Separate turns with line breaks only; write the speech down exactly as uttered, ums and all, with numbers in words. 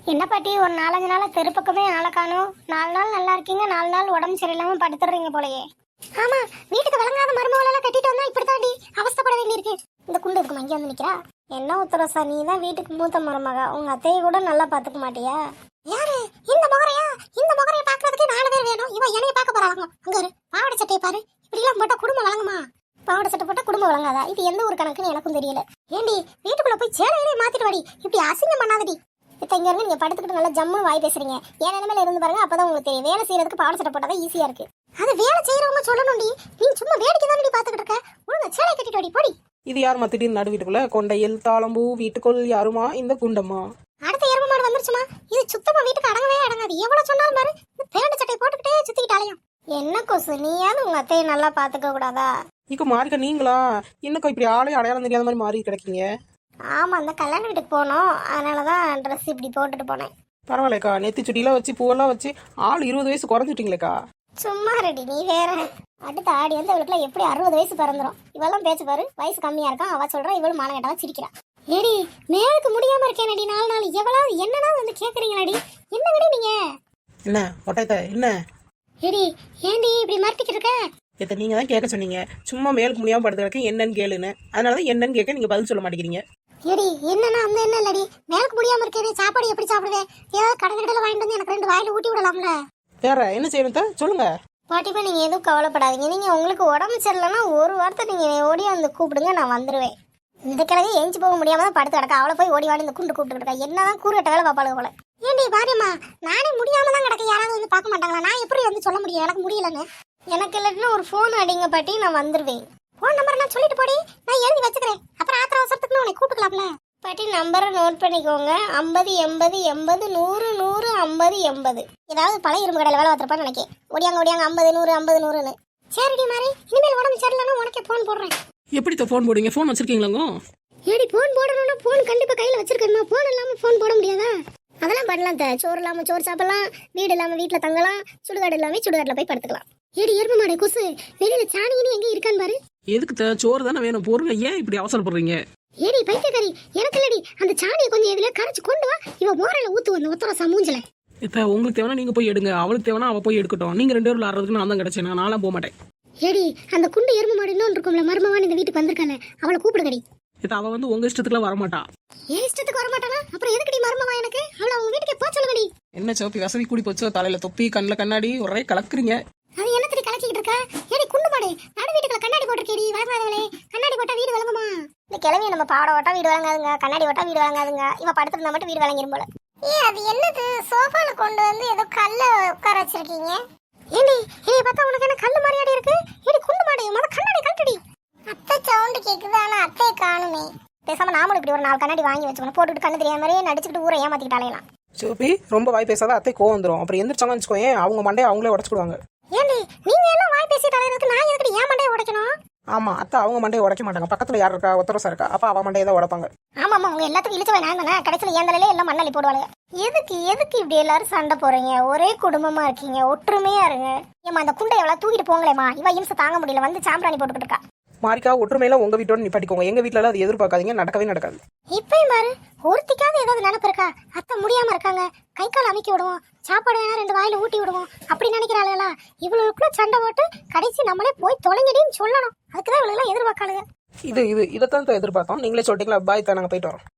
என்ன பாட்டி ஒரு நாலஞ்சு நாளா தெரு பக்கமே ஆளை காணும். நாலு நாள் நல்லா இருக்கீங்க, நாலு நாள் உடம்பு சரியில்லாம படுத்துறீங்க போலயே. ஆமா, வீட்டுக்கு விளங்காத மருமகள் எல்லாம் கட்டிட்டு வந்தா இப்படித்தாண்டி அவஸ்தைப்பட வேண்டியிருக்கு. இந்த குண்டு இருக்குமா இங்கே வந்து நிக்கிறா? என்ன உத்தரசா, நீ தான் வீட்டுக்கு மூத்த மருமக, உங்க அத்தையை கூட நல்லா பாத்துக்க மாட்டியா? யாரு இந்த முகரையா? இந்த முகரைய பாக்குறதுக்கு நாலு பேர் வேணும். இவ என்னைய பாக்க போறாங்க. அங்க இரு, பாவாடை சட்டையை பாரு. இப்படி எல்லாம் போட்டா குடும்பம் வழங்குமா? பாவாடை சட்டை போட்டா குடும்பம் வழங்காதா? இது எந்த ஒரு கணக்குன்னு எனக்கும் தெரியல. ஏண்டி வீட்டுக்குள்ள போய் சேலையிலே மாத்திட்டு வாடி, இப்படி அசிங்கம் பண்ணாதடி. இப்போ இங்க இருந்து நீங்க படுத்துக்கிட்டு நல்லா ஜம்முன்னு வாய் பேசுறீங்க. ஏன் நிலைமையில இருந்து பாருங்க, அப்பதான் உங்களுக்கு தெரியும். வேலை செய்யறதுக்கு பாவாடை சட்டை போட்டாதான் ஈஸியா இருக்கு. அது வேலை செய்யறவங்க சொல்லணும்டி. நீ சும்மா வேடிக்கை தானடி பாத்துக்கிட்டு இருக்க. ஒழுங்கா சேலை கட்டிட்டு வாடி போடி.
இது யாருமா திடீர்னு நடு வீட்டுக்குள்ள? கொண்டையில் தாளம்பூ வீட்டுக்குள் யாருமா இந்த குண்டம்மா?
அடுத்த எரும மாடு வந்துருச்சுமா. இது சுத்தமா வீட்டுக்கு அடங்கவே அடங்காது. எவ்வளவு சொன்னாலும் பாரு, பேண்ட் சட்டை போட்டுக்கிட்டே சுத்திக்கிட்டாலையும். என்ன கொசு, நீயாவது உங்க அத்தையை நல்லா பாத்துக்க கூடாதா?
இங்க மாறிக்க நீங்களா இன்னும் இப்படி ஆளே அடையாளம் தெரியாத மாதிரி மாறி கிடைக்கீங்க.
ஆமா, அந்த கல்யாண வீட்டுக்கு போனோம், அதனாலதான் ட்ரெஸ் இப்படி போட்டுட்டு போனேன்.
பரவாயில்லக்கா, நெத்தி சுட்டிலாம் வச்சு பூவெல்லாம் வச்சு ஆள் இருபது வயசு குறைஞ்சிட்டீங்களேக்கா.
சும்மா ரெடி, நீ வேற. அடுத்த ஆடி வந்து அவளுக்குலாம் எப்படி அறுபது வயசு பிறந்துரும். இவெல்லாம் பேச்சு பாரு, வயசு கம்மியா இருக்கான். அவ சொல்றா, இவளும் மான கேட்டவா சிரிக்கிறா. ஏடி மேலுக்கு முடியாம இருக்கேனடி நாலு நாள். எவ்வளவு என்னன்னா வந்து கேக்குறீங்களாடி? என்னங்கடி நீங்க?
என்ன ஒட்டைத்த என்ன?
ஏடி ஏண்டி இப்படி மறட்டிக்கிட்டு இருக்க?
இதை நீங்க தான் கேட்க சொன்னீங்க. சும்மா மேலுக்கு முடியாம படுத்துறதுக்கு என்னன்னு கேளுன்னு. அதனாலதான் என்னன்னு கேட்க நீங்க பதில் சொல்ல மாட்டேங்கிறீங்க.
ஏடி என்னன்னா அந்த என்ன இல்லடி, மேலுக்கு முடியாம இருக்கே, சாப்பாடு எப்படி சாப்பிடுவேன்? ஏதாவது கடை கடையில வாங்கிட்டு வந்து எனக்கு ரெண்டு வாயில ஊட்டி விடலாம்ல.
வேற என்ன செய்யணும் சொல்லுங்க.
பாட்டிப்பா, நீங்க எதுவும் கவலைப்படாதீங்க. நீங்க உங்களுக்கு உடம்பு சரியில்லைன்னா ஒரு வாரத்தை நீங்க ஓடி வந்து கூப்பிடுங்க, நான் வந்துருவேன். இந்த கிழமை எஞ்சி போக முடியாம தான் படுத்து கிடக்கா. அவளை போய் ஓடி வாடி இந்த குண்டு கூப்பிட்டு இருக்கா. என்னதான் கூறுகட்ட வேலை பாப்பாளுங்க போல. ஏண்டி பாரியம்மா, நானே முடியாம தான் கிடக்க. யாராவது வந்து பார்க்க மாட்டாங்களா? நான் எப்படி வந்து சொல்ல முடியும் எனக்கு முடியலன்னு? எனக்கு இல்லாட்டினா ஒரு ஃபோன் அடிங்க பாட்டி, நான் வந்துருவேன். ஃபோன் நம்பர் நான் சொல்லிட்டு போடி, நான் எழுதி வச்சுக்கிறேன். அப்புறம் ஆத்திர அவசரத்துக்கு உன்னை கூப்பிட்டுக்கலாம்ல. பாட்டி நம்பரை நோட் பண்ணிக்கோங்க. ஐம்பது எண்பது எண்பது நூறு நூறு ஐம்பது எண்பது. ஏதாவது பழைய இரும்பு கடையில் வேலை பார்த்துருப்பான்னு நினைக்கேன். ஒடியாங்க ஒடியாங்க ஐம்பது நூறு ஐம்பது நூறுன்னு. சரிடி மாதிரி, இனிமேல் உடம்பு சரியில்லைன்னா உனக்கே ஃபோன் போடுறேன்.
எப்படி ஃபோன் போடுவீங்க? ஃபோன் வச்சிருக்கீங்களாங்க?
ஏடி ஃபோன் போடணும்னா ஃபோன் கண்டிப்பா கையில வச்சிருக்கணுமா? ஃபோன் இல்லாம ஃபோன் போட முடியாதா? அதெல்லாம் பண்ணலாம். த சோறு இல்லாம சோறு சாப்பிடலாம், வீடு இல்லாம வீட்டுல தங்கலாம், சுடுகாடு இல்லாம சுடுகாட்டுல போய் படுத்துக்கலாம். ஏடி எரும மாடு கொசு, வெளியில சாணின்னு எங்க இருக்கான்னு பாரு.
எதுக்கு சோறு தானே வேணும், பொருங்க. ஏன் இப்படி அவசரப்படுறீங்க?
ஏடி பைத்தியக்காரி, எனக்கு இல்லடி, அந்த சாணியை கொஞ்சம் எதுல கரைச்சு கொண்டு வா. இவ மோரையில ஊத்து வந்து ஒத்தரசா மூஞ்சல.
இப்ப உங்களுக்கு தேவைன்னா நீங்க போய் எடுங்க, அவளுக்கு தேவைன்னா அவ போய் எடுக்கட்டும். நீங்க ரெண்டு பேரும் விளாடுறதுக்கு நான் தான் கிடைச்சேன். நான்லாம் போக மாட்டேன்.
ஏடி அந்த குண்டு எரும மாடு இன்னொன்று இருக்கும்ல, மருமவான் இந்த வீட்டுக்கு வந்திருக்கானே, அவளை கூப்பிடுங்கடி.
இப்ப அவ வந்து உங்க இஷ்டத்துக்குலாம் வரமாட்டா.
ஏன் இஷ்டத்துக்கு வரமாட்டானா? அப்புறம் எதுக்குடி மருமவா எனக்கு? அவளை அவங்க வீட்டுக்கு போ சொல்லுங்கடி.
என்ன சோப்பி வசதி கூடி போச்சோ, தலையில தொப்பி கண்ணுல கண்ணாடி ஒரே கலக்குறீங்க.
அது என்னத்தடி கலக்கிட்டு இருக்கா? ஏடி குண்டு மாடு, நடு வீட்டுக்குள்ள கண்ணாடி போட்டிருக்கேடி. வரமாதவளே, கண்ணாடி போட்டா வீடு விளங்குமா? இந்த கிழவி நம்ம பாட ஓட்டா வீடு வழங்காதுங்க, கண்ணாடி ஓட்டா வீடு வழங்காதுங்க. இவ படுத்திருந்தா மட்டும் வீடு வழங்கிரும் போல. ஏ அது என்னது, சோஃபால கொண்டு வந்து ஏதோ கல்ல உட்கார வச்சிருக்கீங்க. ஏண்டி இதை பார்த்தா உனக்கு என்ன கல்லு மாதிரியாடி இருக்கு? ஏடி குண்டு மாடு, முத கண்ணாடி கழட்டுடி. அத்தை சவுண்ட் கேக்குது, ஆனா அத்தையை காணுமே. பேசாம நாமளும் இப்படி ஒரு நாலு கண்ணாடி வாங்கி வச்சுக்கணும். போட்டுக்கிட்டு கண்ணு தெரியாத மாதிரியே நடிச்சுக்கிட்டு ஊரை ஏமாத்திக்கிட்டாலேலாம்.
சோப்பி ரொம்ப வாய் பேசாத, அத்தை கோவம் வந்துடும். அப்புறம் எந்திரிச்சாங்கன்னு வச்சுக்கோங்க, அவங்க மண்டையை அவங்களே உடச்சுடுவாங்க.
ஏண்டி நீங்க எல்லாம் வாய் பேசிட்டு அலையிறதுக்கு நான் எதுக்கு ஏன் மண்டையை உடைக்கணும்?
ஆமா, அத்தை அவங்க மண்டையை உடைக்க மாட்டாங்க. பக்கத்துல யார் இருக்கா, ஒத்தரசா இருக்கா, அப்ப அவ மண்டையை தான் உடைப்பாங்க.
ஆமா ஆமா, உங்க எல்லாத்துக்கும் இழுச்ச நான் தானே. கடைசியில் ஏன் தலையில எல்லாம் மண்ணாளி போடுவாங்க. எதுக்கு எதுக்கு இப்படி எல்லாரும் சண்டை போறீங்க? ஒரே குடும்பமா இருக்கீங்க, ஒற்றுமையா இருங்க. ஏமா அந்த குண்டை எவ்வளவு தூக்கிட்டு போங்களேமா, இவ இம்சை தாங்க முடியல, வந்து சாம்பிராணி போட்டுக்கிட்டு இருக்கா.
மாரிக்கா, ஒற்றுமையில உங்க வீட்டோட நிப்பாட்டிக்கோங்க. எங்க வீட்டுல அது எதிர்பார்க்காதீங்க, நடக்கவே நடக்காது.
இப்பயும் பாரு, ஒருத்திக்காவது ஏதாவது நினைப்பு இருக்கா? அத்தை முடியாம இருக்காங்க, கை கால் அமைக்கி விடுவோம், சாப்பாடு வேணா ரெண்டு வாயில ஊட்டி விடுவோம், அப்படி நினைக்கிறாளுங்களா? இவளுக்குள்ள சண்டை போட்டு கடைசி நம்மளே போய் தொலைங்கடின்னு சொல்லணும். அதுக்குதான் இவளெல்லாம் எதிர்பார்க்காளுங்க.
இது இது இதைத்தான் எதிர்பார்த்தோம். நீங்களே சொல்லிட்டீங்களா? பாய் தான், நாங்க போயிட்டு வரோம்.